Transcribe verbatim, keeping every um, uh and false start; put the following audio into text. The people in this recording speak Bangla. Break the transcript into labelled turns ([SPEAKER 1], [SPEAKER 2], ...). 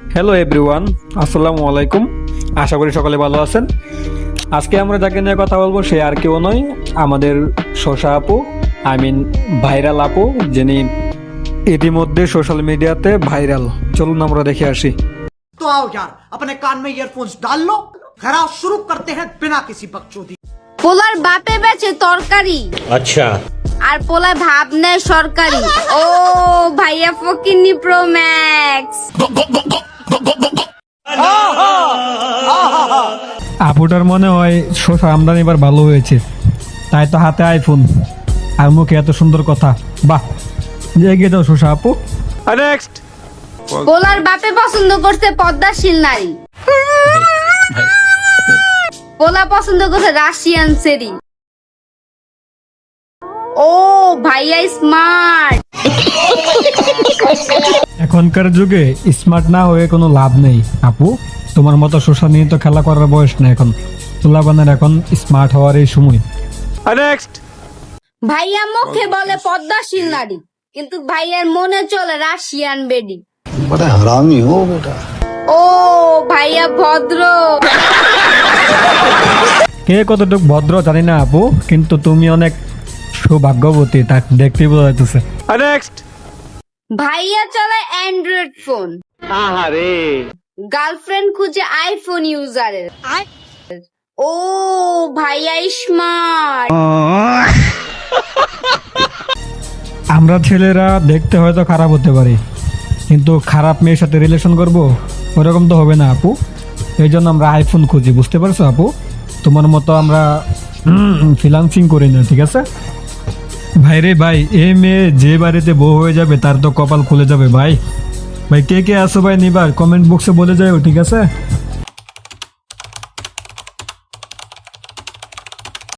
[SPEAKER 1] হ্যালো এভরিওয়ান, আসসালামু আলাইকুম। আশা করি সকলে ভালো আছেন। আজকে আমরা যাকে নিয়ে কথা বলবো সে আর কেউ নয়, আমাদের শশা আপু, আই মিন ভাইরাল আপু, যিনি ইতিমধ্যে সোশ্যাল মিডিয়াতে ভাইরাল। চলুন আমরা দেখে আসি।
[SPEAKER 2] तो आओ यार, अपने कान में ईयरफोन्स डाल लो, खराब शुरू करते हैं बिना किसी बकचोदी।
[SPEAKER 3] পোলার বাপে বেচে তরকারি,
[SPEAKER 4] अच्छा
[SPEAKER 3] আর পোলায় ভাব নেয় সরকারি। ও ভাইয়া ফকিন্নি প্রো ম্যাক্স।
[SPEAKER 1] আপুটার মনে হয় শশা আমদানি এবার ভালো হয়েছে, তাই তো হাতে আইফোন আর মুখে এত সুন্দর কথা। বাহ, এগিয়ে দাও শশা আপু। নেক্সট।
[SPEAKER 3] পোলার বাপে পছন্দ করছে পদ্মাশীল নারী, পোলা পছন্দ করছে রাশিয়ান সেরি। ও ভাইয়া স্মার্ট।
[SPEAKER 1] এখনকার যুগে স্মার্ট না হয়ে কোনো লাভ নেই আপু। তোমার মতো শশা নিয়ে তো খেলা করার বয়স না এখন। তুলাবানের এখন স্মার্ট হওয়ার এই সময়। নেক্সট।
[SPEAKER 3] ভাইয়া মুখে বলে পদ্মাশীল নারী, কিন্তু ভাইয়ার মনে চলে রাশিয়ান বেডি।
[SPEAKER 5] बड़ा हरामी हो बेटा।
[SPEAKER 3] ও ভাইয়া ভদ্র।
[SPEAKER 1] কে কতটুকু ভদ্র জানি না আপু, কিন্তু তুমি অনেক সৌভাগ্যবতী, তা দেখতেই বোঝা যাচ্ছে। নেক্সট।
[SPEAKER 3] ভাইয়া চালায় অ্যান্ড্রয়েড ফোন,
[SPEAKER 1] আহারে
[SPEAKER 3] গার্লফ্রেন্ড খুঁজে আইফোন ইউজারের। ও ভাইয়া স্মার্ট।
[SPEAKER 1] আমরা ছেলেরা দেখতে হয়তো খারাপ হতে পারি, কিন্তু খারাপ মেয়ের সাথে রিলেশন করব ওরকম তো হবে না আপু। এই জন্য আমরা আইফোন খুঁজি, বুঝতে পারছো আপু? তোমার মতো আমরা ফিলান্সিং করি না, ঠিক আছে ভাই? রে ভাই, এ মেয়ে যে বাড়িতে বউ হয়ে যাবে তার তো কপাল খুলে যাবে ভাই। ভাই কে কে আসো ভাই নিবার কমেন্ট বক্সে বলে যাও, ঠিক আছে?